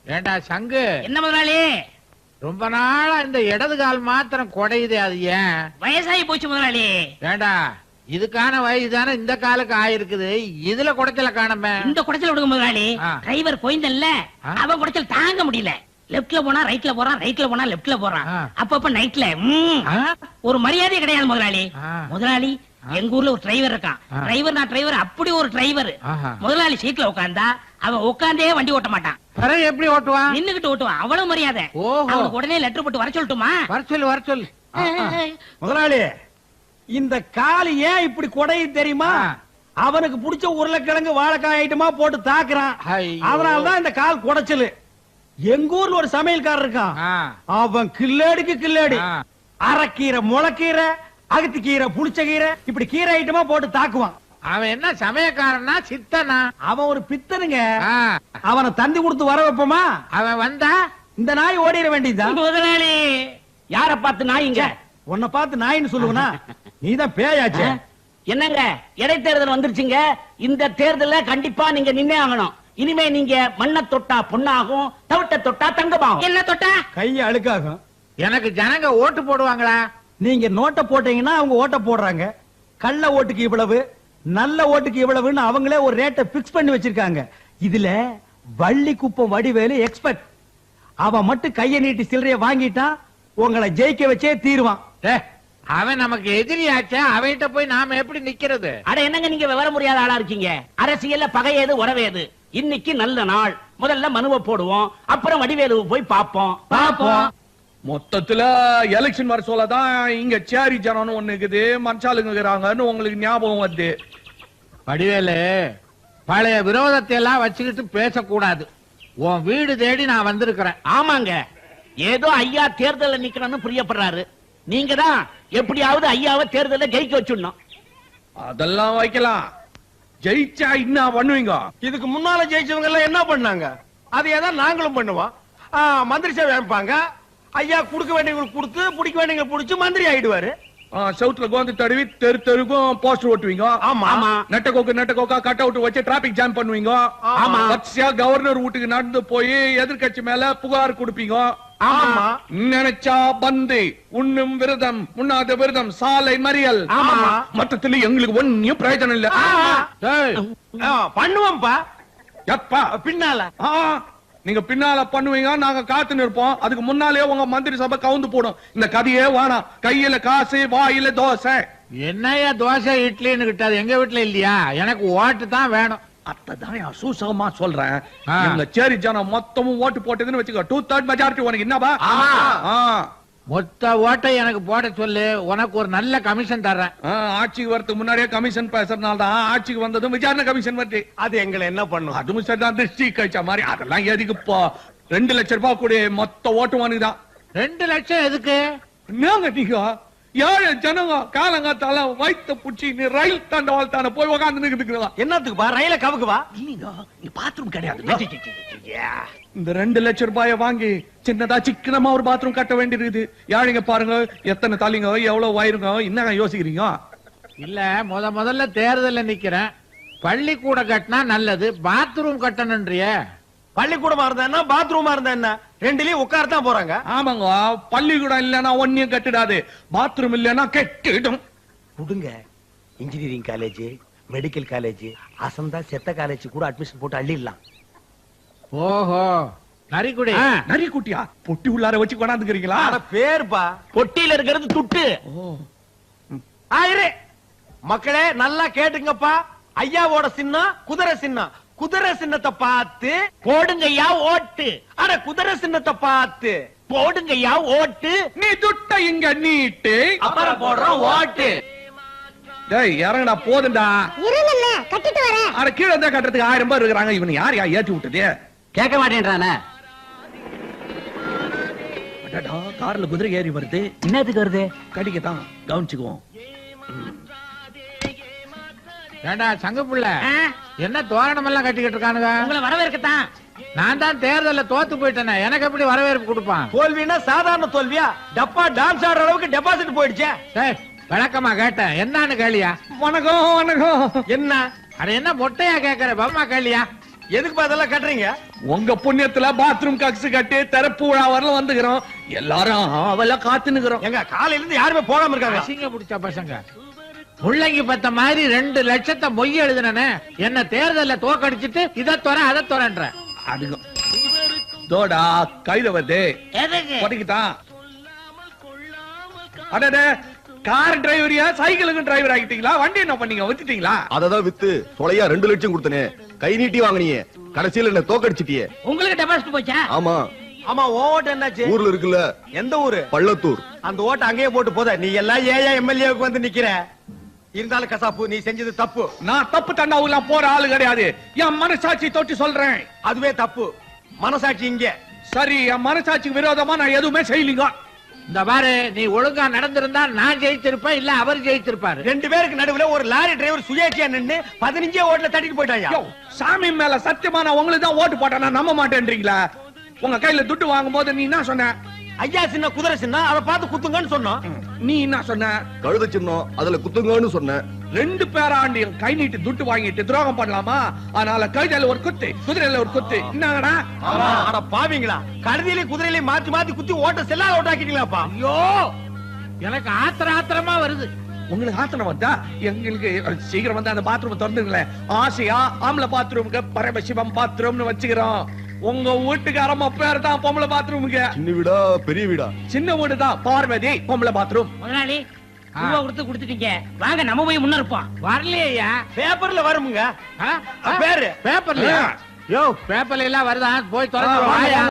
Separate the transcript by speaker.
Speaker 1: ஏண்டா சங்கு,
Speaker 2: என்ன முதலாளி?
Speaker 1: ரொம்ப நாளா இந்த இடது கால் மாத்திரம் குடையுதே, அது ஏன்?
Speaker 2: வயசாகி போச்சு முதலாளி.
Speaker 1: ஏண்டா இதுக்கான வயசு தானே இந்த காலுக்கு ஆயிருக்குது, இதுல குடைச்சல காணமே.
Speaker 2: இந்த குடைச்சல் விடுங்க முதலாளி. டிரைவர் கோயந்தல்ல, அவன் குடைச்சல் தாங்க முடியல. லெப்ட்ல போனா ரைட்ல போறான், ரைட்ல போனா லெப்ட்ல போறான். அப்பப்ப நைட்ல ஒரு மரியாதை கிடையாது முதலாளி. முதலாளி எங்க ஊர்ல ஒரு டிரைவர் இருக்கான். டிரைவர் நான் டிரைவர், அப்படி ஒரு டிரைவர். முதலாளி சீட்ல உட்கார்ந்தா அவன் உட்கார்ந்தே வண்டி ஓட்ட மாட்டான்.
Speaker 1: எப்படி ஓட்டுவான்?
Speaker 2: நின்னுகிட்டு ஓட்டுவான். அவ்வளவு மரியாதை. அவனுக்கு உடனே லெட்டர் போட்டு வர சொல்லட்டுமா?
Speaker 1: வர சொல்லு.
Speaker 3: முதலாளி, இந்த கால் ஏன் இப்படி கொடையை தெரியுமா? அவனுக்கு பிடிச்ச உருளைக்கிழங்கு வாழைக்காய் ஐட்டமா போட்டு தாக்குறான். அதனாலதான் இந்த கால் குடைச்சலு. எங்க ஊர்ல ஒரு சமையல்காரர் இருக்கான். அவன் கில்லேடிக்கு கில்லேடி. அரைக்கீரை, முளைக்கீரை, அகத்திக்கீரை, புளிச்சக்கீரை, இப்படி கீரை ஐட்டமா போட்டு தாக்குவான்.
Speaker 1: அவன் என்ன சமயக்காரனா சித்தனா?
Speaker 3: அவன் ஒரு பித்தனுங்க. அவனை தந்தி கொடுத்து வர வைப்போமா?
Speaker 1: அவன் வந்தா
Speaker 3: இந்த நாய் ஓடிட வேண்டியதுதான்.
Speaker 2: முதலாளி யார பார்த்து நாய்ங்க?
Speaker 3: உன்னை பார்த்து நாயின்னு சொல்லுவனா? நீதான் பேயாச்சே.
Speaker 2: என்னங்க, இடைத்தேர்தல் வந்துருச்சுங்க. இந்த தேர்தல கண்டிப்பா நீங்க நின்னே ஆகணும். இனிமே நீங்க மண்ணை தொட்டா பொண்ணாகும், தவிட்ட தொட்டா தங்கமாகும். என்ன தொட்டா
Speaker 3: கைய அழுக்காகும்.
Speaker 1: எனக்கு ஜனங்க ஓட்டு போடுவாங்களா?
Speaker 3: நீங்க நோட்டை போட்டீங்கன்னா அவங்க ஓட்ட போடுறாங்க. கள்ள ஓட்டுக்கு இவ்வளவு, நல்ல ஓட்டுக்கு இவ்வளவுன்னு அவங்களே ஒரு ரேட்டை பிக்ஸ் பண்ணி வச்சிருக்காங்க. இதுல வள்ளி குப்பம் வடிவேலு எக்ஸ்பர்ட். அவன் மட்டும் கைய நீட்டி சில்லறைய வாங்கிட்டா உங்களை ஜெயிக்க வச்சே தீருவான்.
Speaker 1: அவன் நமக்கு எதிரியாச்சே, அவன்கிட்ட போய் நாம எப்படி நிக்கிறது?
Speaker 2: அட என்னங்க நீங்க விவரம் முடியாத ஆளா இருக்கீங்க. அரசியல்ல பகையேது உறவேது. இன்னைக்கு நல்ல நாள். முதல்ல மனுவை போடுவோம், அப்புறம் வடிவேலு போய் பாப்போம்.
Speaker 4: மொத்தத்துல எலெக்ஷன் வர சொல்லதான் இங்க சேரி ஜனம் ஒண்ணு இருக்குது, மனுஷாளுங்கிறாங்கன்னு உங்களுக்கு ஞாபகம் வருது.
Speaker 1: வடிவேலு, பழைய விரோதத்தை எல்லாம் வச்சுக்கிட்டு பேசக்கூடாது. உன் வீடு தேடி நான் வந்திருக்கிறேன்.
Speaker 2: ஆமாங்க, ஏதோ ஐயா தேர்தல நிக்கணும்னு பிரியப்படுறாரு. நீங்க தான் எப்படியாவது ஐயாவை தேர்தல ஜெயிக்க வச்சுடணும்.
Speaker 4: அதெல்லாம் வைக்கலாம். ஜெயிச்சா என்ன பண்ணுவீங்க?
Speaker 3: இதுக்கு முன்னால ஜெயிச்சவங்க எல்லாம் என்ன பண்ணாங்க? அதையேதான் நாங்களும் பண்ணுவோம். மந்திரி சேவை அமைப்பாங்க. ஐயா குடுக்க வேண்டியவங்களுக்கு கொடுத்து, பிடிக்க வேண்டியவங்க பிடிச்சு மந்திரி ஆயிடுவாரு.
Speaker 4: சவுத்துல கோந்து தடவி தெரு தெருக்கும் போஸ்டர் ஓட்டுவீங்க.
Speaker 2: ஆமா.
Speaker 4: நெட்டக்கோக்கா கட் அவுட் வச்சு டிராபிக் ஜாம் பண்ணுவீங்க.
Speaker 2: ஆமா.
Speaker 4: வரிசையா கவர்னர் வீட்டுக்கு நடந்து போய் எதிர்கட்சி மேல புகார் கொடுப்பீங்க.
Speaker 2: ஆமா.
Speaker 4: நினைச்சா பந்து, உண்ணும் விரதம், உண்ணாத விரதம், சாலை மறியல்.
Speaker 2: ஆமா.
Speaker 4: மொத்தத்துல எங்களுக்கு ஒன்னும் பிரயோஜனம் இல்ல.
Speaker 3: பண்ணுவோம்ப்பா.
Speaker 4: எப்பா?
Speaker 3: பின்னால.
Speaker 4: நீங்க பின்னால பண்ணுவீங்க, நாங்க காத்து நிற்போம். அதுக்கு முன்னாலே உங்க மந்திரி சபை கவுந்து போடும். இந்த கதையே வேணாம். கையில காசு, வாயில தோசை.
Speaker 1: என்னையா தோசை இட்லின்னு கிட்டாது? எங்க வீட்டுல இல்லையா? எனக்கு ஓட்டு தான் வேணும்.
Speaker 4: அதான் சூசகமா சொல்றேன். இந்த சேரி ஜனம் மொத்தமும் ஓட்டு போட்டதுன்னு வச்சுக்கோ, 2/3 மெஜாரிட்டி உனக்கு என்னப்பா?
Speaker 1: மொத்த ஓட்டை எனக்கு போட சொல்லு, உனக்கு ஒரு நல்ல கமிஷன் தர்றேன்.
Speaker 4: ஆட்சிக்கு வரதுக்கு முன்னாடியே கமிஷன் பேசுறதுனால தான் ஆட்சிக்கு வந்ததும் விசாரணை கமிஷன் வருது.
Speaker 3: அது எங்களை என்ன பண்ணும்?
Speaker 4: அதுவும் சரிதான், திருஷ்டி கழிச்ச மாதிரி. அதெல்லாம் எதுக்கு? இப்போ 2 லட்சம் ரூபாய் கூட மொத்த ஓட்டு வாங்குதான்.
Speaker 1: 2 லட்சம் எதுக்கு?
Speaker 4: என்னங்க நீங்க ஏழு ஜனங்க காலங்காத்தால வயிற்ற புடிச்சு நீ ரயில் தாண்டவாளத்தான போய் உக்காந்து நிக்கிறீங்களா?
Speaker 3: என்னத்துக்குப்பா? ரயில கவுக்குவா?
Speaker 2: இல்லீங்க, பாத்ரூம் கிடையாது.
Speaker 4: இந்த 2 லட்சம் ரூபாய வாங்கி சின்னதா சிக்கனமா ஒரு பாத்ரூம் கட்ட வேண்டியிருக்குது. யாழிங்க பாருங்க, எத்தனை தலைங்க, எவ்வளவு வயிறுங்க. என்ன யோசிக்கிறீங்க?
Speaker 1: இல்ல, முதல்ல தேர்தல்ல நிக்கிறேன். பள்ளிக்கூட கட்டினா நல்லது, பாத்ரூம் கட்டணும்ன்றிய.
Speaker 3: பள்ளிக்கூடமா இருந்தா என்ன, பாத்ரூமா இருந்தா என்ன, ரெண்டுலயும் உட்காரத்தான் போறாங்க.
Speaker 4: ஆமாங்க, பள்ளிக்கூடம் இல்லன்னா ஒன்னும் கட்டிடாது, பாத்ரூம் இல்லன்னா கெட்டிடும்.
Speaker 3: கொடுங்க. இன்ஜினியரிங் காலேஜ், மெடிக்கல் காலேஜ், அசந்தா செத்த காலேஜ் கூட அட்மிஷன் போட்டு அள்ளிடலாம்.
Speaker 1: ஓஹோ, நரிக்குடி.
Speaker 4: நரிக்குட்டியா? பொட்டி உள்ளார வச்சு கொண்டாந்துக்கிறீங்களா?
Speaker 3: பேருப்பா.
Speaker 2: பொட்டியில இருக்கிறது துட்டு.
Speaker 3: மக்களே நல்லா கேட்டுங்கப்பா. ஐயாவோட சின்னம் குதிரை சின்னம். குதிரை சின்னத்தை பார்த்து
Speaker 2: போடுங்கய்யா ஓட்டு.
Speaker 3: அட குதிரை சின்னத்தை பார்த்து
Speaker 2: போடுங்கய்யா ஓட்டு.
Speaker 4: நீ துட்ட இங்க நீட்டு,
Speaker 2: அப்புறம் போடுறோம் ஓட்டு.
Speaker 4: டேய் இறங்கடா, போதுண்டா.
Speaker 5: இருங்கண்ணே, கட்டிட்டு வரேன்.
Speaker 4: அட கீழே இருந்தா கட்டுறதுக்கு 1000 ரூபாய் இருக்கிறாங்க. இவன் யார் ஏற்றி விட்டது?
Speaker 2: கேட்க மாட்டேன்றானே.
Speaker 4: கார்ல குதிரை ஏறி வருது.
Speaker 2: என்னத்துக்கு வருது?
Speaker 4: கடிக்கத்தான், கவனிச்சுக்குவோம்.
Speaker 1: ஏண்டா சங்க புள்ள, என்ன தோரணம் எல்லாம் கட்டிக்கிட்டு இருக்கானுங்க?
Speaker 2: உங்களை வரவேற்கத்தான்.
Speaker 1: நான் தான் தேர்தல்ல தோத்து போயிட்டேனே, எனக்கு எப்படி வரவேற்பு கொடுப்பான்?
Speaker 3: தோல்வினா சாதாரண தோல்வியா? டப்பா டான்ஸ் ஆடுற அளவுக்கு டெபாசிட் போயிடுச்சே.
Speaker 1: விளக்கமா கேட்டேன், என்னன்னு கேளியா?
Speaker 4: வணக்கம் வணக்கம்.
Speaker 3: என்ன?
Speaker 1: அட என்ன மொட்டையா கேக்குற, பம்மா கேளியா?
Speaker 3: எதுக்கு அதெல்லாம் கட்டுறீங்க?
Speaker 4: உங்க புண்ணியத்துல பாத்ரூம் கக்ஸ் கட்டி திறப்பு விழா வரல வந்துக்கிறோம். எல்லாரும் அவள காத்துனுக்குறோம்.
Speaker 3: எங்க காலையில இருந்து யாருமே போகாம இருக்காங்க.
Speaker 1: அசிங்க பிடிச்ச பசங்க. முள்ளங்கி பத்த மாதிரி 2 லட்சத்தை மொய் எழுதுனே என்ன தேர்தல்ல தோக்கடிச்சிட்டு இதை துற அதை துறன்ற.
Speaker 4: அதுக்கு தோடா கைத வந்து
Speaker 2: எதுக்கு
Speaker 4: படிக்கிட்டான். அடடே கார் டிரைவரியா சைக்கிளுக்கு டிரைவர் ஆகிட்டீங்களா? வண்டி என்ன பண்ணீங்க? வித்துட்டீங்களா?
Speaker 6: அததான் வித்து சொலையா 2 லட்சம் கொடுத்தனே. கை நீட்டி வாங்கினியே, கடைசியில என்ன தோக்கடிச்சிட்டியே.
Speaker 2: உங்களுக்கு டெபாசிட் போச்சா?
Speaker 6: ஆமா.
Speaker 3: ஆமா, ஓட்டு என்னாச்சு?
Speaker 6: ஊர்ல இருக்குல்ல.
Speaker 3: எந்த ஊரு?
Speaker 6: பள்ளத்தூர்.
Speaker 3: அந்த ஓட்டு அங்கேயே போட்டு போத. நீ எல்லாம் ஏயா எம்எல்ஏவுக்கு வந்து நிக்கிற. இருந்தாலும் கசாப்பு, நீ செஞ்சது தப்பு.
Speaker 4: நான் தப்பு தண்டாவுலாம் போற ஆளு கிடையாது. என் மனசாட்சி தொட்டு சொல்றேன்.
Speaker 3: அதுவே தப்பு. மனசாட்சி இங்க.
Speaker 4: சரி, என் மனசாட்சிக்கு விரோதமா நான் எதுவுமே செய்யலீங்க.
Speaker 1: இந்த பாரு, நீ ஒழுங்கா நடந்திருந்தா நான் ஜெயிச்சிருப்பேன், இல்ல அவர் ஜெயிச்சிருப்பாரு.
Speaker 3: 2 பேருக்கு நடுவுல ஒரு லாரி டிரைவர் சுயேட்சையா நின்னு 15 ஓட்டுல தட்டிட்டு போயிட்டாயா.
Speaker 4: யோ, சாமி மேல சத்தியமா நான் உங்களுக்கு தான் ஓட்டு போட்டேன். நான் நம்ப மாட்டேன்றீங்களா? உங்க கையில துட்டு வாங்கும் போது நீ என்ன சொன்ன?
Speaker 3: ஐயா சின்ன குதிரை சின்ன, அதை பார்த்து குத்துங்கன்னு சொன்னோம்.
Speaker 4: நீ என்ன சொன்ன?
Speaker 6: கழுத சின்னம், அதுல குத்துங்கன்னு சொன்னேன்.
Speaker 4: 2 பேராண்டியும் கை நீட்டி துட்டு வாங்கிட்டு துரோகம் பண்ணலாமா? அதனால கைதால ஒரு குத்து, குதிரையில ஒரு குத்து. என்னடா?
Speaker 3: அட பாவீங்களா, கழுதியிலே குதிரையிலே மாத்தி மாத்தி குத்தி ஓட்ட செல்லாத ஓட்டாக்கிட்டீங்களாப்பா.
Speaker 1: ஐயோ, எனக்கு ஆத்திரமா வருது.
Speaker 4: உங்களுக்கு ஆத்திரம் வந்தா எங்களுக்கு சீக்கிரம் வந்து அந்த பாத்ரூம் திறந்துங்களேன். ஆசையா ஆம்பளை பாத்ரூமுக்கு பரமசிவம் பாத்ரூம்னு வச்சுக்கிறோம். உங்க வீட்டுக்காரம்மா பேர் தான் பொம்பளை பாத்ரூமுக்கு.
Speaker 6: சின்ன வீடா பெரிய வீடா?
Speaker 4: சின்ன வீடு தான், பார்வதி பொம்பளை பாத்ரூம்.
Speaker 2: முதலாளி ரூபா கொடுத்து கொடுத்துட்டீங்க, வாங்க நம்ம போய் முன்ன இருப்போம்.
Speaker 1: வரலையா?
Speaker 3: பேப்பர்ல வருமுங்க. பேரு
Speaker 1: பேப்பர்லயா? யோ, பேப்பர்ல எல்லாம் வருதா? போய் திறந்து வாயா.